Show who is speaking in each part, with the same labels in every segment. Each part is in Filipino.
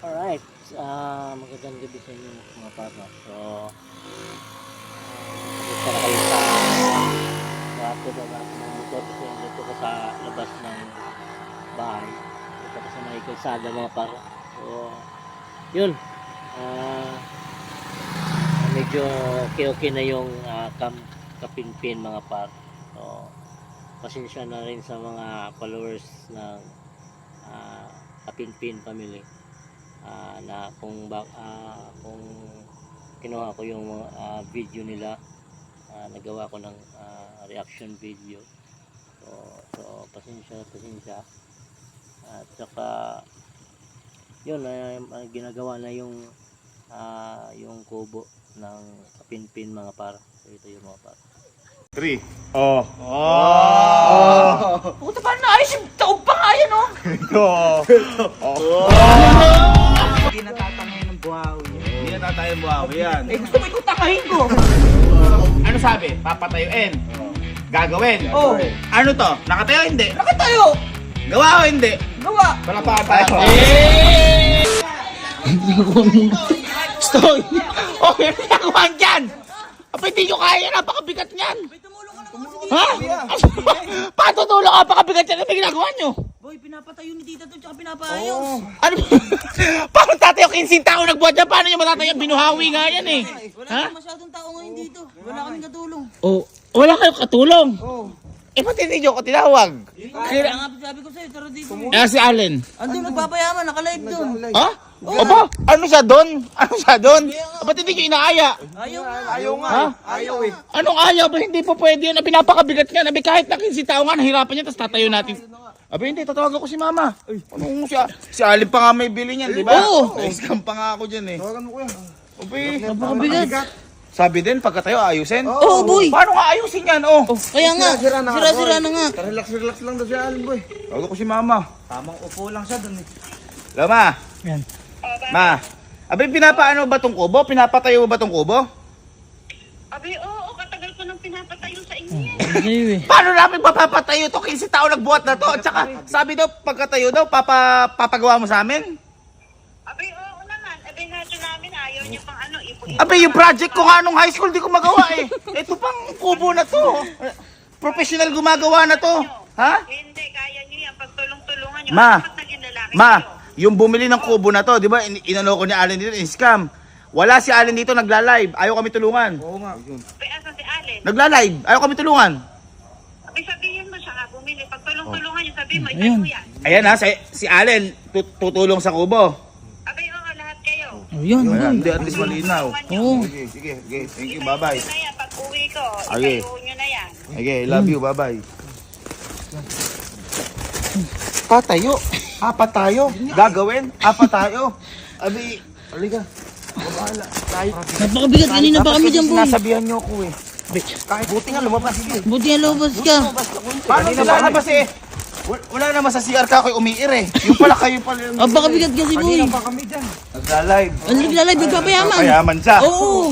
Speaker 1: Alright, magandang gabi sa inyo mga partner. So, punta na kayo sa baba ng motor kasi dito ko sa labas ng bahay. Dito ko sa may kalsada mga partner. So, yun. Medyo okay na yung kapinpin mga partner. So, pasensya na rin sa mga followers ng kapinpin family. Na kung kinuha ko yung video nila, nagawa ko ng reaction video. So pasensya at saka yun, ginagawa na yung kubo ng kapinpin mga par. So ito yung mga par
Speaker 2: 3.
Speaker 3: Puta pa na ayos yung taog pa nga yan, oh. Hindi natatangay ng buhawi.
Speaker 2: Hindi na tatayang buhawi yan.
Speaker 3: Eh gusto mo ikong tangahin ko.
Speaker 2: Ano sabi? Papatayuin. Gagawin.
Speaker 3: Oh.
Speaker 2: Ano to? Nakatayo hindi?
Speaker 3: Nakatayo.
Speaker 2: Gawa o hindi?
Speaker 3: Gawa.
Speaker 2: Palapaan tayo.
Speaker 3: Stoy. Oh, yan ang nagawa dyan. Apa hindi nyo kaya, napakabigat niyan. Ha? Patutulong, napakabigat yan. Ano ba ginagawa nyo? Boy, pinapatayo ni tita to, tsaka pinapaayos. Ano? Paano tatayo 15 tao nagbuhat dyan? Paano nyo matatayo? Binuhawi nga yan eh.
Speaker 4: Wala masyadong tao ngayon dito. Wala kaming katulong.
Speaker 3: Oh, wala kayong katulong? Oo. Eh, ba't hindi nyo ko tinawag?
Speaker 4: Kaya nga sabi ko sa'yo, tara dito.
Speaker 3: Si Allen.
Speaker 4: Andun, nagpapayaman, nakalive doon.
Speaker 3: Ha? Opo? Ano siya doon? Ano siya doon? Ba't hindi nyo inaaya?
Speaker 4: Ayaw nga.
Speaker 3: Ha?
Speaker 2: Ayaw eh.
Speaker 3: Anong ayaw? Ba hindi po pwede yan? Pinapakabigat nga. Nabi kahit na 15 tao nga, nahirapan niya, tapos tatayo natin. Abi hindi, tatawagan ko si mama. Anong siya? Si Allen pa nga may bili niyan, di ba? Oo. Na-scam pa nga ako dyan eh.
Speaker 2: Tawagan mo ko yan.
Speaker 3: Abi,
Speaker 4: Napakabigat.
Speaker 3: sabi din, pagkatayo, ayusin?
Speaker 4: Oo, boy.
Speaker 3: Paano nga ayusin yan? Oh.
Speaker 4: Kaya nga, sira-sira na nga.
Speaker 2: Relax lang daw si Alan boy.
Speaker 3: Tawagan ko si mama.
Speaker 2: Tamang upo lang siya dun eh.
Speaker 3: Lama. Yan. Ma. Abi, pinapaano ba tong kubo? Pinapatayo ba tong kubo?
Speaker 5: Abi, oo, katagal ko nang pinapatayo sa inyo yan.
Speaker 3: Paano namin mapapatayo to? 15 tao nagbuhat na to. At saka, sabi daw, pagkatayo daw, papagawa mo sa amin?
Speaker 5: Abi, oo naman. Abi, natin namin, ayaw niyo pang ano, ipo-ipo.
Speaker 3: Abi, yung project ko nga nung high school, di ko magawa eh. Ito pang kubo na to. Professional gumagawa na to. Ha?
Speaker 5: Hindi, kaya niyo yan. Pagtulong-tulungan niyo.
Speaker 3: Ma.
Speaker 5: Ano ba't naging lalaki
Speaker 3: Ma,
Speaker 5: kayo?
Speaker 3: yung bumili ng kubo na to, di ba, inano ko ni Allen dito, in-scam. Wala si Allen dito, nagla-live. Ayaw kami tulungan.
Speaker 2: Oo nga.
Speaker 5: Abi, asan si Allen?
Speaker 3: Nagla-live. Ayaw kami tulungan.
Speaker 5: Abi, sabihin mo siya nga, bumili. Pagtulong-tulungan niyo, sabihin mo, ikaw mo yan.
Speaker 3: Ayan ha, si Allen, tutulong sa kubo.
Speaker 5: Abi, oo, lahat kayo.
Speaker 3: Ayan, hindi, at least malinaw.
Speaker 5: Oo.
Speaker 2: Sige. Thank you, bye-bye.
Speaker 5: Itayo nyo na yan. Pag-uwi ko,
Speaker 3: Okay.
Speaker 5: itayo nyo na yan.
Speaker 3: Okay, love you, bye-bye. Patayo. Apat tayo. Gagawin. Apat tayo. Abi, halika. Babahala. Tayo.
Speaker 4: Napakabigat, kanina pa kami dyan, boy.
Speaker 3: Sinasabihan niyo ako eh. Kahit buti nga lumabas. Sige.
Speaker 4: Buti nga lobos ka.
Speaker 3: Paano sila labas eh? Wala naman sa CR ka ako'y umiir eh. Yung pala kayo pala yung...
Speaker 4: Napakabigat kasi, boy.
Speaker 3: Nagla-live.
Speaker 4: Ano naglalay, nagpapayaman?
Speaker 3: Kayaman siya.
Speaker 4: Oo.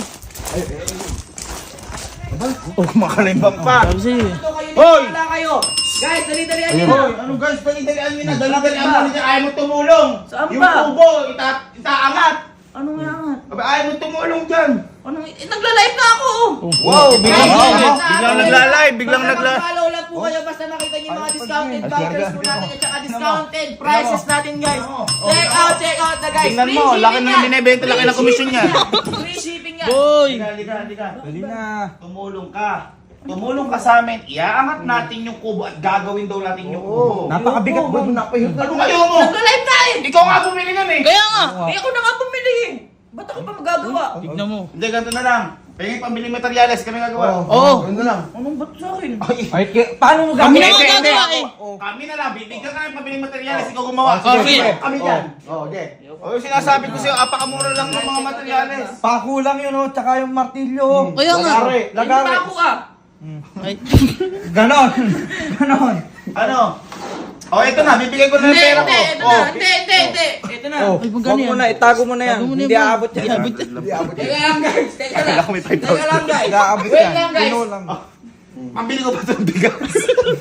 Speaker 3: Oh, makalimbang pa.
Speaker 4: Sabi sa'yo eh.
Speaker 3: Hoy!
Speaker 4: Guys, dali-dalian nyo.
Speaker 3: Hoy! Ano guys? Dali-dalian nyo na. Dali-dalian mo na. Ayaw mo tumulong.
Speaker 4: Saan
Speaker 3: Yung
Speaker 4: ba?
Speaker 3: kubo, itaangat.
Speaker 4: Ano nga nga?
Speaker 3: Aba, ayaw mo tumulong dyan.
Speaker 4: Ano? Nagla-live na ako.
Speaker 3: Wow, biglang nagla-live, biglang nagla...
Speaker 4: Follow lang po kayo basta nakita niyo yung mga discounted vouchers po natin at saka discounted prices natin, guys. Check out na, guys.
Speaker 3: Tingnan mo, laki na yung binibenta, laki ng komisyon niya.
Speaker 4: Free shipping nga.
Speaker 3: Halika. Dali na. Tumulong ka. Tumulong ka sa amin, iaangat natin yung kubo at gagawin daw natin yung kubo.
Speaker 2: Napakabigat boy. Napahirap
Speaker 3: Ano kayo mo?
Speaker 4: Nagla-live tayo.
Speaker 3: Ikaw nga bumili nun eh.
Speaker 4: Kaya nga, eh ako na nga bumili eh. Ba't ako pa magagawa?
Speaker 3: Tignan mo. Hindi, ganito na lang. Pahingin pambiling materyales, kami gagawa.
Speaker 2: Oo. Ano lang.
Speaker 4: Anong ba't sa akin?
Speaker 2: Ay, paano mo
Speaker 4: Kami
Speaker 2: gagawin?
Speaker 4: na nga gagawa eh.
Speaker 3: Kami na lang, bibigyan ka ng pambiling materyales, ikaw gumawa.
Speaker 4: Okay.
Speaker 3: Kami dyan.
Speaker 2: Okay.
Speaker 3: O yung sinasabi ko sa'yo, apakamura lang ng mga materyales.
Speaker 2: Pakulang yun oh, tsaka yung martilyo.
Speaker 4: Kaya nga.
Speaker 2: Lagari.
Speaker 4: Ako ka. Ay.
Speaker 2: Ganon.
Speaker 3: Ano? O ito na, bibigay ko na ng pera ko.
Speaker 4: Hindi. Ito na.
Speaker 2: Oh, wag mo na, itago mo na yan. Hindi aabot yan.
Speaker 4: Teka lang, guys. Teka lang.
Speaker 3: Kailangan may 5,000.
Speaker 4: Teka lang, guys.
Speaker 2: Aabot
Speaker 4: Wait
Speaker 2: yan.
Speaker 4: lang, guys.
Speaker 2: Pino lang.
Speaker 3: Pambili ko ba itong bigas?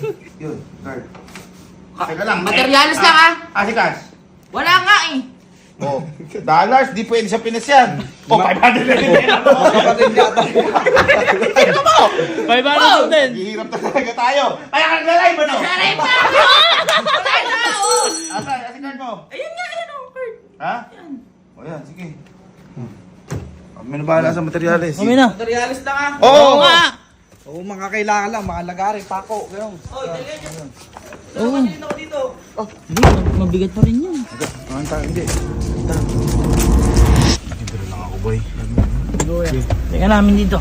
Speaker 3: Yun, card. Teka lang.
Speaker 4: Materyales lang, ah.
Speaker 3: Si Cash.
Speaker 4: Wala nga eh.
Speaker 3: Oh, dollars, di pwede sa Pinas yan. Oh, 500 na din.
Speaker 2: Kapatid yata.
Speaker 3: Ito mo!
Speaker 1: 500 din.
Speaker 3: Hihirap na talaga tayo. Kaya ka naglalay ba no?
Speaker 4: Aray pa! Wala na, oh!
Speaker 3: Asa card mo?
Speaker 4: Ayun nga, ayun, oh, Kurt.
Speaker 3: Ha? O yan, sige. Kami na bahala sa materyales.
Speaker 1: Kami na.
Speaker 4: Materialist na nga.
Speaker 3: Oo
Speaker 1: nga.
Speaker 2: Oo, mga kailangan lang, mga lagari, pako, gano'n.
Speaker 4: Oh, dali niyo.
Speaker 1: Oo.
Speaker 4: Dito ako dito.
Speaker 1: Hindi, mabigat pa rin yun.
Speaker 3: Hindi. Nakibiro lang ako, boy.
Speaker 1: Teka namin dito.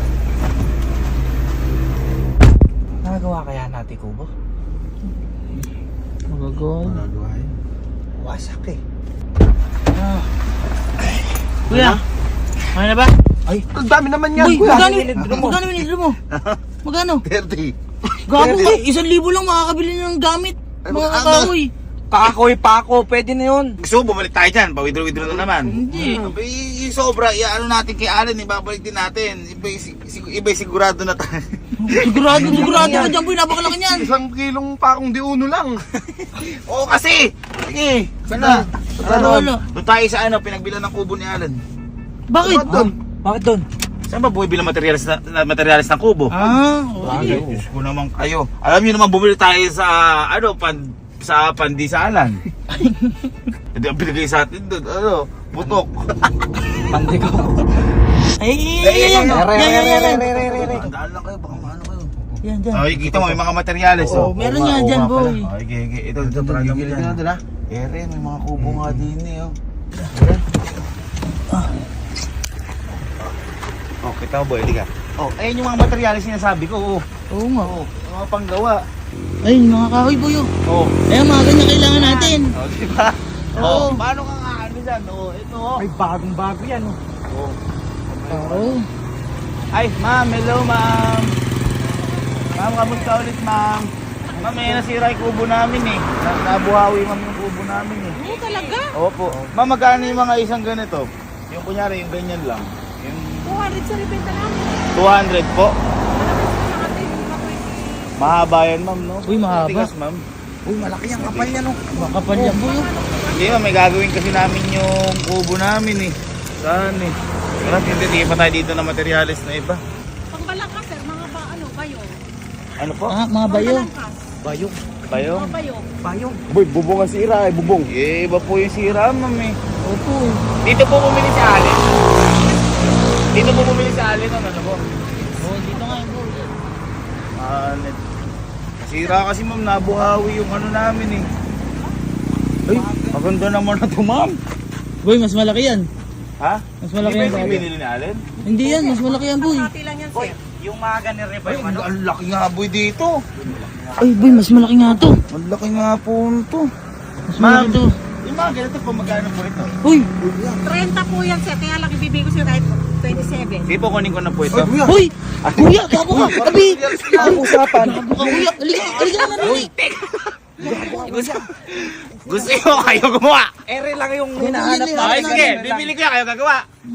Speaker 1: Nagagawa kaya natin, Kubo? Magagawa.
Speaker 3: Nagagawa yun.
Speaker 2: Wasak eh.
Speaker 1: Ah. Kuya, kaya na ba?
Speaker 2: Ay, ang dami naman yan,
Speaker 1: Uy,
Speaker 2: kuya.
Speaker 1: magkano minidro mo? Magkano?
Speaker 3: 30.
Speaker 1: Gago ka, 1,000 lang makakabili ng gamit. Mga kakahoy.
Speaker 2: Kakoy, pako, pwede na yun.
Speaker 3: Gusto mo, bumalik tayo dyan. Pa-withdraw na naman.
Speaker 1: Hindi.
Speaker 3: Yung sobra, ano natin kay Alan, ibabalik din natin. Iba'y sigurado na tayo.
Speaker 1: Sigurado ka dyan, boy. Napakalaki niyan.
Speaker 2: 1 kilong pakong di uno lang.
Speaker 3: Oo kasi! Sige, sana.
Speaker 1: Ano?
Speaker 3: Doon tayo sa pinagbilan ng kubo ni Alan.
Speaker 1: Bakit? Bakit doon?
Speaker 3: Saan ba buhay bilang materialis ng kubo?
Speaker 1: Ah,
Speaker 3: Ay, Diyos ko naman kayo. Alam niyo naman bumili tayo sa sa pandisalan. Hindi ang binigay sa atin doon, putok.
Speaker 2: Pandi ko.
Speaker 1: Yan.
Speaker 3: Tandaan lang kayo, baka maano kayo.
Speaker 1: Yan, dyan.
Speaker 3: Ay, kita mo, may mga materialis.
Speaker 1: Oo, meron nga dyan, boy.
Speaker 3: Ay, okay. Ito, talaga mo yan. Ere, may mga kubo nga din eh. Oh, kita mo, boy, di ka. Oh, ayun yung mga materialis sinasabi ko.
Speaker 1: Oo nga.
Speaker 3: Oh, yung mga panggawa.
Speaker 1: Ayun, mga kahoy, boy.
Speaker 3: Oh.
Speaker 1: Ayun, mga ganyan kailangan natin.
Speaker 3: Oh, di ba?
Speaker 1: Oo.
Speaker 3: Oh, paano ka nga ano dyan? Oh, ito oh.
Speaker 2: May bagong-bago yan, oh.
Speaker 3: Oh.
Speaker 1: Oo.
Speaker 3: Ay, ma'am, hello ma'am. Ma'am, kamusta ulit ma'am? Ma'am, may nasira yung kubo namin eh. Nabuhawi ma'am yung kubo namin eh.
Speaker 5: Oo, talaga?
Speaker 3: Opo. Ma'am, magkano yung mga isang ganito? Yung kunyari, yung ganyan lang. Yung
Speaker 5: 200 sa ribenta namin.
Speaker 3: 200 po. Mahaba yan ma'am, no?
Speaker 1: Uy, mahaba.
Speaker 3: Tigas ma'am.
Speaker 2: Uy, malaki ang kapal yan, oh.
Speaker 1: Makapal yan, boy.
Speaker 3: Hindi ma'am, may gagawin kasi namin yung kubo namin eh. Saan eh? Pero hindi pa tayo dito na materialis na iba.
Speaker 5: Pangbalangkas, sir. Mga bayo.
Speaker 3: Ano po?
Speaker 1: Ah, mga bayo.
Speaker 5: Pangbalangkas.
Speaker 2: Bayong.
Speaker 3: Bayong?
Speaker 5: Mga bayo.
Speaker 2: Bayong. Boy, bubong ang sira, eh, bubong.
Speaker 3: Eh, iba po yung sira ma'am eh.
Speaker 1: Opo.
Speaker 3: Dito po bumili si Allen. Dito po bumili si Allen, ano po?
Speaker 1: Oo, dito nga yung boy.
Speaker 3: Allen. Nasira kasi ma'am, nabuhawi yung ano namin eh. Ay, maganda naman na to ma'am.
Speaker 1: Boy, mas malaki yan.
Speaker 3: Ha?
Speaker 1: Mas malaki
Speaker 3: Hindi
Speaker 1: yan.
Speaker 3: ba yung
Speaker 1: Boy.
Speaker 3: binili ni Allen?
Speaker 1: Hindi yan, mas malaki yan, boy.
Speaker 5: Hati lang yan, sir.
Speaker 2: Yung mga ganire ba yung ano?
Speaker 3: Ang laki nga boy dito.
Speaker 1: Ay, boy, mas malaki nga to.
Speaker 3: Ang laki nga po nito.
Speaker 1: Mas malaki to.
Speaker 3: Yung mga ganito po, magkano po ito?
Speaker 1: Uy,
Speaker 5: 30 po yan, sir. Kaya lang ibibigay ko sa'yo kahit 27.
Speaker 3: Sige po, kunin ko na po ito.
Speaker 1: uy! Kuya, gago ka! Tabi!
Speaker 2: Ang usapan.
Speaker 1: Gago ka, kuya! Halika na rin!
Speaker 3: Gusto nyo kayo gumawa?
Speaker 2: Ere lang yung hinahanap
Speaker 1: Ay,
Speaker 3: Okay, sige, bibili ko yan, kayo gagawa.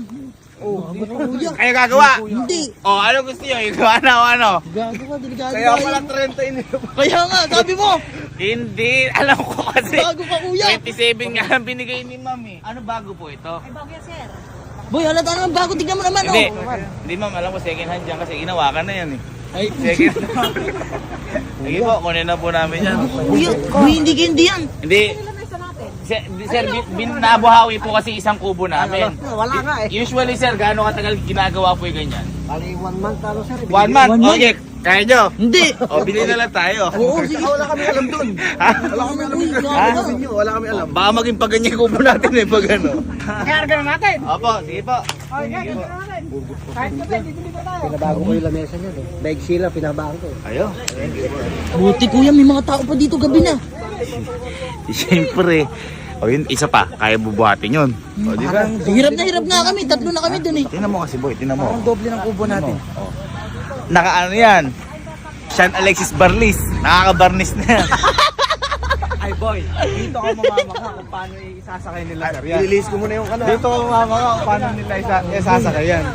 Speaker 3: Kayo gagawa.
Speaker 1: Hindi!
Speaker 3: O, ano gusto nyo? Ikaw ano, ano?
Speaker 1: Gago ka, delikado
Speaker 2: Kaya
Speaker 1: tayo.
Speaker 2: pala 30 ini.
Speaker 1: Kaya nga, sabi mo!
Speaker 3: Hindi, alam ko kasi.
Speaker 1: Gago ka, kuya!
Speaker 3: 27 nga ang binigay ni ma'am eh. Ano bago po ito?
Speaker 5: Ay, bago yan, sir.
Speaker 1: Boy, halata naman bago, tignan mo naman,
Speaker 3: Hindi,
Speaker 1: oh!
Speaker 3: hindi ma'am, alam ko second hand dyan kasi ginawa ka na yan eh.
Speaker 1: Ay,
Speaker 3: Second hand. Sige po, kunin na po namin yan.
Speaker 1: kuya, boy, hindi yan!
Speaker 3: Hindi,
Speaker 5: Ilan na isa natin?
Speaker 3: sir, nabuhawi po kasi isang kubo namin.
Speaker 2: Wala nga eh.
Speaker 3: Usually sir, gaano katagal ginagawa po yung ganyan?
Speaker 2: Bali 1 month talo sir.
Speaker 3: 1 month?
Speaker 1: One month?
Speaker 3: Okay, kaya nyo?
Speaker 1: Hindi!
Speaker 3: O, bili na lang tayo.
Speaker 1: Oo, sige!
Speaker 2: Wala kami alam dun.
Speaker 3: Ha?
Speaker 2: Wala kami alam
Speaker 1: Uy,
Speaker 2: dun.
Speaker 1: gago
Speaker 3: Ha?
Speaker 1: ka!
Speaker 2: Inyo, wala kami alam.
Speaker 3: Baka maging pagganyan kubo natin eh, pag ano.
Speaker 5: Kaya na natin.
Speaker 3: Opo, sige po.
Speaker 5: Okay, kaya na natin. Kahit kape, bibili ko tayo.
Speaker 2: Pinabago ko yung lamesa niya eh. Bag sila, pinabago ko.
Speaker 3: Ayo.
Speaker 1: Buti kuya, may mga tao pa dito gabi na.
Speaker 3: Siyempre. O yun, isa pa, kaya bubuhatin yun. O, di ba?
Speaker 1: Hirap nga kami, tatlo na kami dun eh.
Speaker 3: Tingnan mo kasi boy, tingnan mo.
Speaker 2: Ang doble ng kubo natin.
Speaker 3: Oh. Naka ano yan? Sean Alexis Barlis. Nakaka-barnis na yan.
Speaker 2: Ay boy, dito ako mamamaka kung paano isasakay nila sir. I-release ko muna yung ano. Dito ako mamamaka kung paano nila isasakay yan.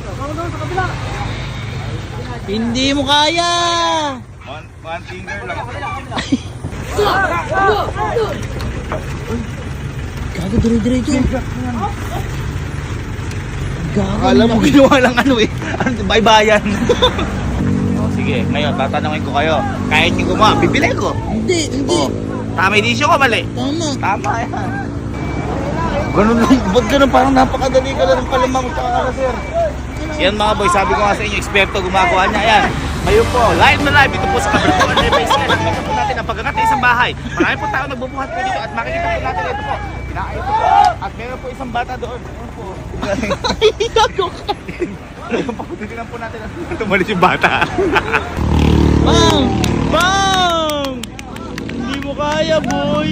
Speaker 1: Hindi mo kaya!
Speaker 3: One finger lang.
Speaker 1: Gago
Speaker 3: Gago, dire-diretso. Gago.
Speaker 2: Akala mo ginawa lang ano eh. Ano, baybayan.
Speaker 3: Sige, ngayon, tatanungin ko kayo. Kahit yung gumawa, bibili ko. Hindi. Tama yung desisyon ko, mali.
Speaker 2: Oh.
Speaker 3: Tama yan. Ganun lang, ba't ganun? Parang napakadali ka lang pala mga tsaka sir. Yan mga boy, sabi ko nga sa inyo, eksperto gumagawa niya. Ayan, ngayon po, live na live. Ito po sa Kabertuan Levi's yan. Nakikita po natin ang pagkakat ng isang bahay. Marami po tao nagbubuhat po dito at makikita po natin ito po. Pinakain po. At meron po isang bata doon. Ano po? Ayun po, titignan po natin. Tumalis yung bata. Bang! Bang! Hindi mo kaya, boy.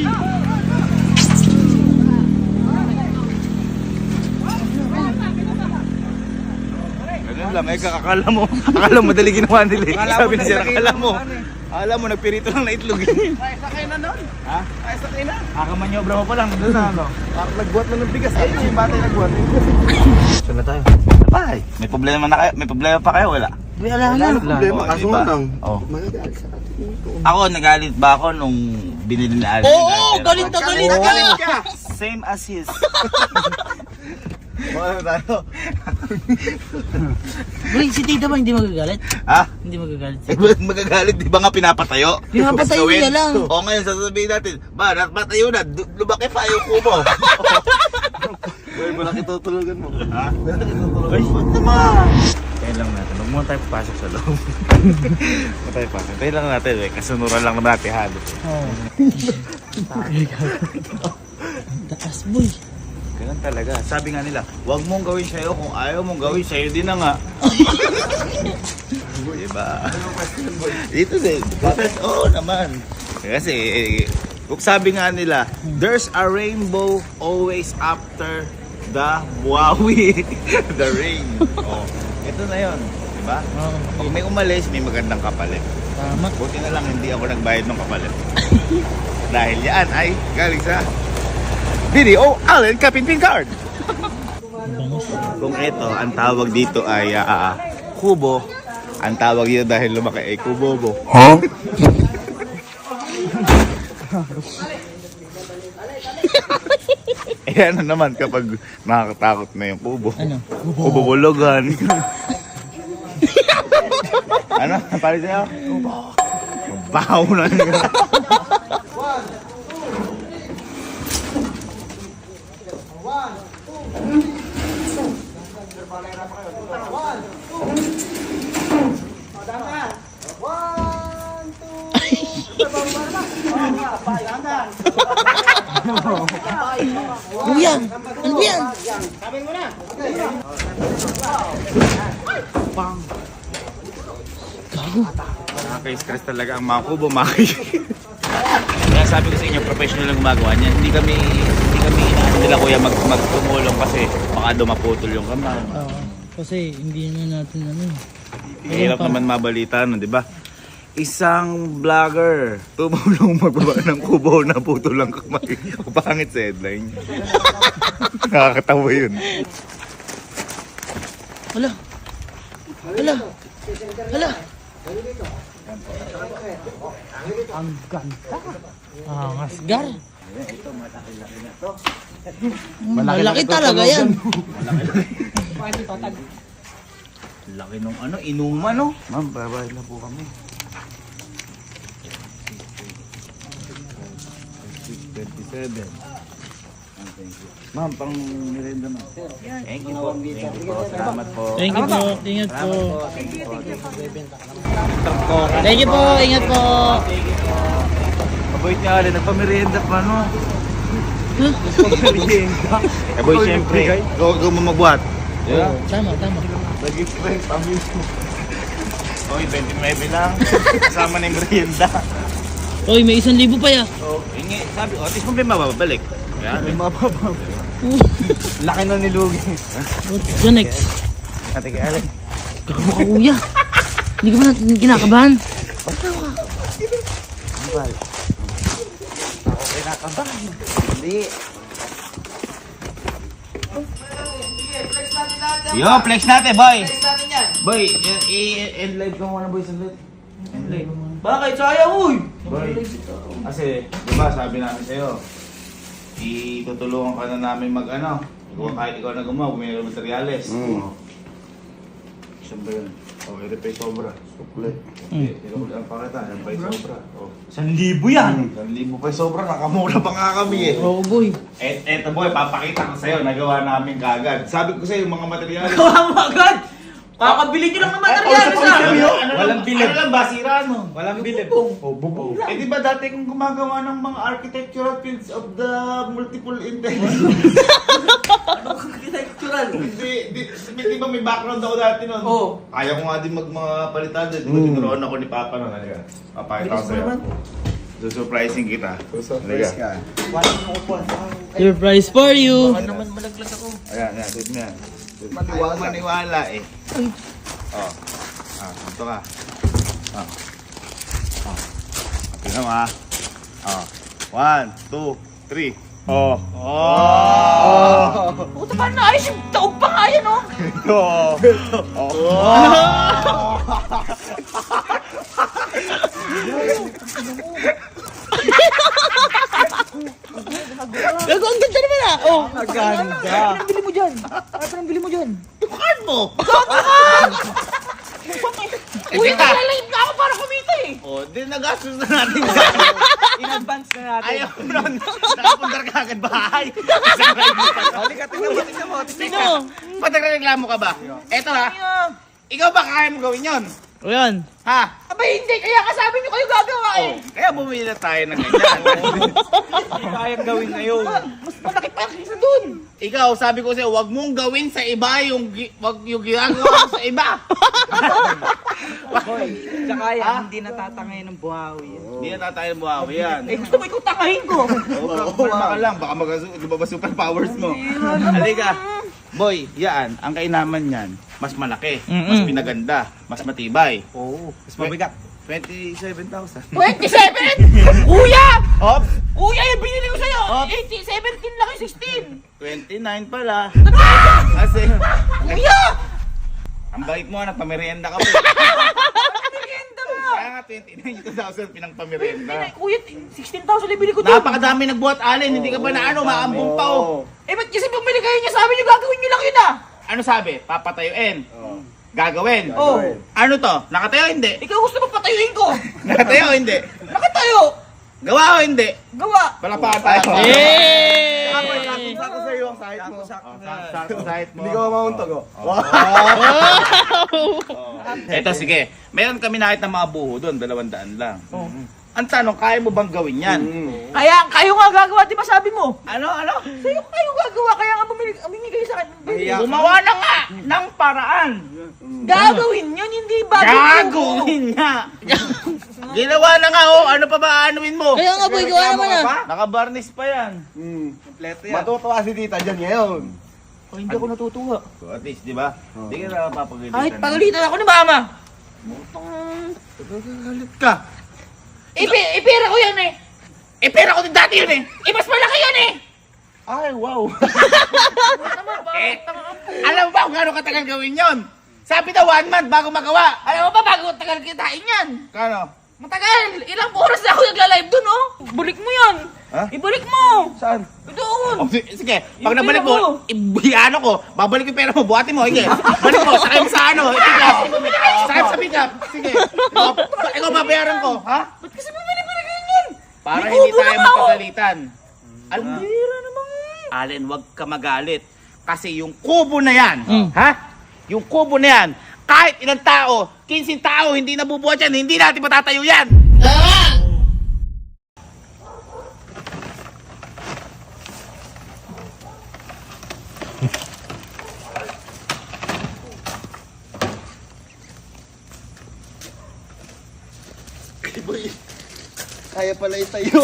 Speaker 3: Ganun lang, eh, akala mo dali ginawa nila eh. Sabi ni sir, akala mo, nagpirito lang na itlog eh.
Speaker 2: Ay, sakay na nun.
Speaker 3: Ha?
Speaker 2: Ay, sakay na.
Speaker 3: Akamanyobra mo pa lang, doon na ano.
Speaker 2: Parang nagbuhat na ng bigas. Ay, yung bata yung nagbuhat.
Speaker 3: Saan na tayo? Bye. May problema na kayo? May problema pa kayo? Wala.
Speaker 2: Wala na problema.
Speaker 3: Oo,
Speaker 2: Kaso
Speaker 3: diba?
Speaker 2: nga lang.
Speaker 3: Oo.
Speaker 2: Magagalit sa atin.
Speaker 3: Ako, nagalit ba ako nung binili na Alvin?
Speaker 4: Oo, galit ka.
Speaker 3: Same as his.
Speaker 2: Ano tayo?
Speaker 4: Boy, si tita ba hindi magagalit?
Speaker 3: Ha?
Speaker 4: Hindi magagalit.
Speaker 3: Eh, ba't magagalit? Di ba nga pinapatayo?
Speaker 4: Pinapatayo
Speaker 3: Gawin.
Speaker 4: niya lang.
Speaker 3: O ngayon, sasabihin natin, ba, napatayo na, lumaki pa yung kubo.
Speaker 2: Uy, malaki tutulugan mo.
Speaker 3: Ha? Ay, ba't naman? Kaya lang natin, huwag muna tayo papasok sa loob. Huwag tayo pasok. Tayo lang natin, eh. Kasunuran lang naman natin halos.
Speaker 4: Taas, boy.
Speaker 3: Ganun talaga. Sabi nga nila, huwag mong gawin sa'yo kung ayaw mong gawin sa'yo din na nga. Diba? Dito din. Oo naman. Kasi, kung sabi nga nila, there's a rainbow always after the buwawi. The rain. Oh, ito na yun. Diba? Pag may umalis, may magandang kapalit.
Speaker 4: Tama.
Speaker 3: Buti na lang hindi ako nagbayad ng kapalit. Dahil yan ay galing sa Video Allen Kapinpin Card. Kung ito, ang tawag dito ay kubo. Ang tawag dito dahil lumaki ay kubobo. Huh? Eh ano naman kapag nakakatakot na yung kubo?
Speaker 4: Ano?
Speaker 3: Kubobologan. Ano? Pali sa'yo? Bahaw na yun.
Speaker 4: Kuya, ano ba yan?
Speaker 3: Nakaka-stress talaga ang mga kubo, Kaya sabi ko sa inyo, professional ang gumagawa niyan. Hindi kami inaano nila kuya magtumulong kasi baka dumaputol yung kamay.
Speaker 4: Kasi hindi na natin ano.
Speaker 3: Hirap naman mabalita, no, di ba? Isang vlogger tumulong magbaba ng kubo na putol lang kamay. Pangit sa headline. Nakakatawa yun.
Speaker 4: Hala. Ang ganda. Asgar. Malaki talaga yan.
Speaker 3: Laki nung ano, inuman, no? Ma'am, babayad na po kami. 27. Ma'am, pang nirenda na. Thank you po. Salamat po.
Speaker 4: Thank you po. Ingat po.
Speaker 3: Salamat
Speaker 4: Thank you po. Ingat po.
Speaker 3: Aboy niya alin, nagpamerienda pa, no? Eh boy, siyempre, ikaw mo magbuhat. Yeah.
Speaker 4: Tama.
Speaker 3: Nag-gift friend, pamilya. Oy, 29 lang. Kasama na yung merienda.
Speaker 4: Oy, may 1,000 pa ya.
Speaker 3: So, yun sabi ko, at least mo ba mababalik? Yan.
Speaker 2: Laki na nilugi.
Speaker 4: What's the next?
Speaker 3: Ate kay Alec.
Speaker 4: Gago ka, kuya. Hindi ka ba natin kinakabahan?
Speaker 3: Hindi. Yo, flex natin, boy.
Speaker 4: Flex natin yan.
Speaker 3: Boy, i-end live ka muna, boy, saglit. End live.
Speaker 4: Bakit? Sayang, uy!
Speaker 3: Boy, kasi, di ba sabi namin sa'yo, Itutulungan ka na namin mag ano. Kahit ikaw na gumawa, bumili ng materyales. Saan ba yun? Oh, ito pa yung sobra. Sukle. Tinukuli ang pakita, yan pa yung sobra. Oh.
Speaker 2: 1,000 yan.
Speaker 3: 1,000 pa yung sobra, nakamura pa nga kami eh.
Speaker 4: Oo, boy.
Speaker 3: Eto boy, papakita ko sa'yo, nagawa namin kagad. Sabi ko sa'yo, yung mga materyales.
Speaker 4: Gawa mo agad! Kakabili nyo lang ng materyales
Speaker 3: Walang bilib. Ano lang ba, sira no?
Speaker 2: Walang bilib.
Speaker 3: Bubong. Eh di ba dati kung gumagawa ng mga architectural fields of the multiple intelligence?
Speaker 4: Architectural.
Speaker 3: Di ba may background ako dati nun?
Speaker 4: Oo.
Speaker 3: Kaya ko nga din mga palitan din. Di ba tinuruan ako ni Papa nun? Halika. Papakita ko sa'yo. Surprising kita.
Speaker 2: Surprise ka.
Speaker 4: Surprise for you!
Speaker 3: Ayan, tignan mo yan. Ayaw maniwala eh. Oh. Ito ka. Tignan mo ha. 1, 2, 3. Oh.
Speaker 4: Puta pa na ayos yung taog pa nga yan, oh! Gago, ang ganda naman ah! Oh!
Speaker 2: Ang ganda.
Speaker 4: Ano bili mo dyan? Ano bili mo dyan?
Speaker 3: Yung card mo!
Speaker 4: Uy, naglalahit na ako para kumita eh!
Speaker 3: Oh, di nagastos na natin.
Speaker 2: In advance na natin.
Speaker 3: Ayaw mo nun. Nakapundar ka agad bahay. Isang ride mo pa.
Speaker 2: Halika, tingnan mo.
Speaker 4: Sino?
Speaker 3: Patagreklamo ka ba? Eto ha. Ikaw ba kaya mo gawin yun?
Speaker 4: O yan.
Speaker 3: Ha?
Speaker 4: Abay hindi, kaya kasabi nyo kayo gagawa eh!
Speaker 3: Kaya bumili na tayo ng ganyan.
Speaker 2: Hindi kayang gawin ngayon.
Speaker 4: Mas malaki pa kaysa dun!
Speaker 3: Ikaw, sabi ko sa'yo, huwag mong gawin sa iba wag yung ginagawa mo sa iba.
Speaker 2: Boy, tsaka yan, hindi natatangay ng buhawi yan.
Speaker 3: Hindi na tayo buhawi yan.
Speaker 4: Eh gusto mo ikaw tangahin ko!
Speaker 3: Kumalma ka lang, baka ba superpowers mo. Halika. Boy, yan, ang kainaman yan, mas malaki, mas pinaganda, mas matibay.
Speaker 2: Oo. Mas mabigat.
Speaker 3: 27,000.
Speaker 4: 27! Kuya!
Speaker 3: Op!
Speaker 4: Kuya, yung binili ko sa'yo!
Speaker 3: Oh.
Speaker 4: 17 lang yung 16!
Speaker 3: 29 pala. Kasi,
Speaker 4: Kuya!
Speaker 3: ang bait mo, nagpamerienda ka pa.
Speaker 4: Merienda mo!
Speaker 3: Kaya nga 29,000 pinangpamerienda.
Speaker 4: Kuya, 16,000 yung bili ko doon!
Speaker 3: Napakadami nagbuhat alin, hindi ka ba na ano, maambong pa oh.
Speaker 4: Eh ba't kasi bumili kayo niya? Sabi niyo gagawin niyo lang yun ah!
Speaker 3: Ano sabi? Papatayuin. Gagawin.
Speaker 4: Oh.
Speaker 3: Ano to? Nakatayo o hindi?
Speaker 4: Ikaw gusto mo patayuin ko!
Speaker 3: Nakatayo o hindi?
Speaker 4: Nakatayo!
Speaker 3: Gawa o hindi?
Speaker 4: Gawa!
Speaker 3: Palakpakan tayo.
Speaker 4: Yay!
Speaker 2: Sakto sa'yo ang sahit mo.
Speaker 3: Sakto sahit mo.
Speaker 2: Hindi ko mamauntog oh.
Speaker 3: Eto sige. Meron kami nakita ng mga buho doon, 200 lang. Ang tanong, kaya mo bang gawin yan?
Speaker 4: Kaya kayo nga gagawa, di ba sabi mo?
Speaker 3: Ano?
Speaker 4: Sa'yo kayo gagawa, kaya nga bumili kayo sa akin.
Speaker 2: Mahiya.
Speaker 3: Gumawa na nga ng paraan.
Speaker 4: Gagawin yun, hindi bagong
Speaker 3: Gagawin nga. Ginawa na nga oh. Ano pa ba aanuin mo?
Speaker 4: Kaya nga boy, gawa naman ah.
Speaker 3: Nakabarnis pa yan.
Speaker 2: Kompleto yan. Matutuwa si tita dyan ngayon.
Speaker 4: Oh, hindi ako natutuwa.
Speaker 3: So at least, di ba? Hindi ka na mapapagalitan.
Speaker 4: Kahit pagalitan ako ni mama.
Speaker 3: Galit ka.
Speaker 4: Ipera ko yan eh.
Speaker 3: Eh, pera ko din dati yun eh.
Speaker 4: Mas malaki yun eh.
Speaker 3: Ay, wow. Alam mo ba kung gano'ng katagal gawin yon? Sabi daw 1 month bago magawa.
Speaker 4: Alam mo ba, bago tagal kitain yan.
Speaker 3: Kano?
Speaker 4: Matagal. Ilang oras na ako nagla-live dun oh. Bulik mo yan.
Speaker 3: Ha?
Speaker 4: Ibalik mo.
Speaker 3: Saan?
Speaker 4: Doon.
Speaker 3: Oh, sige, pag
Speaker 4: Yung
Speaker 3: nabalik
Speaker 4: pera
Speaker 3: mo, ibiyano ko, babalik yung pera mo, buhatin mo, sige. Balik mo, sakay mo sa ano, pick-up. Sakay mo sa pick-up, sige. Ikaw babayaran ko, ha?
Speaker 4: Ba't kasi bumili pa na ganyan?
Speaker 3: Para
Speaker 4: May
Speaker 3: hindi
Speaker 4: kubo
Speaker 3: tayo
Speaker 4: na ako.
Speaker 3: magpagalitan. Alam mo,
Speaker 4: Pera naman.
Speaker 3: Allen, wag ka magalit. Kasi yung kubo na yan, ha? Yung kubo na yan, kahit ilang tao, 15 tao, hindi nabubuhat yan, hindi natin matatayo yan.
Speaker 2: Kaya pala itayo.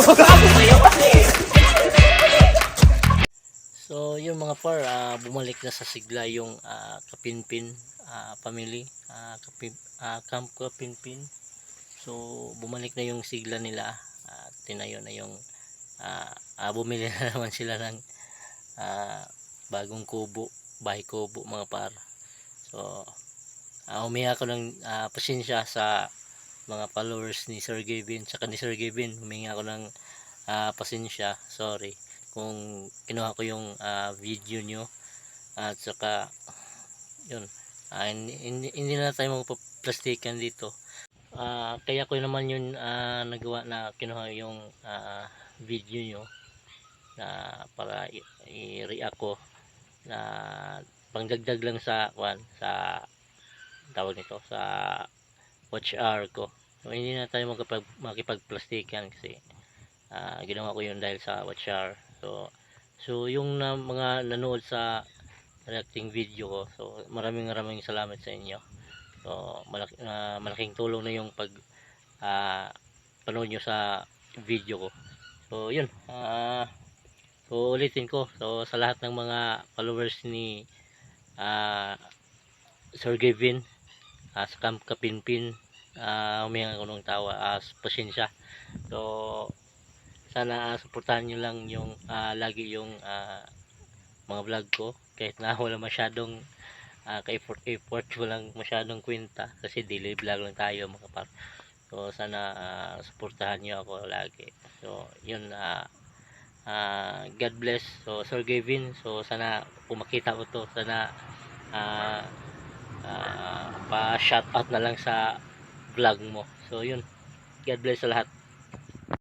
Speaker 1: So yung mga par, bumalik na sa sigla yung Kapinpin family, Camp Kapinpin. So bumalik na yung sigla nila, tinayo na yung bumili na naman sila ng bagong kubo, bahay kubo mga par. So humingi ako ng pasensya sa mga followers ni Sir Gavin, tsaka ni Sir Gavin humingi ako ng pasensya, sorry. kung kinuha ko yung video nyo, at saka yun, hindi na tayo magpa-plastikan dito. Kaya ko naman yun nagawa na kinuha yung video nyo na para i-react ko na pangdagdag lang sa sa tawag nito, sa watch hour ko. So hindi na tayo makipag-plastikan kasi ginawa ko yun dahil sa watch hour. So yung mga nanood sa reacting video ko, so maraming salamat sa inyo. So malaking tulong na yung panood nyo sa video ko. So yun, so ulitin ko, so sa lahat ng mga followers ni Sir Gavin sa Camp Kapinpin, huminga ko ng tawa, pasensya. So sana suportahan nyo lang yung lagi yung mga vlog ko, kahit na wala masyadong ka-effort, walang masyadong kwenta kasi daily vlog lang tayo mga par. So sana suportahan nyo ako lagi. So yun, God bless. So Sir Gavin, so sana kung makita ko to, sana pa shout out na lang sa vlog mo. So yun, God bless sa lahat.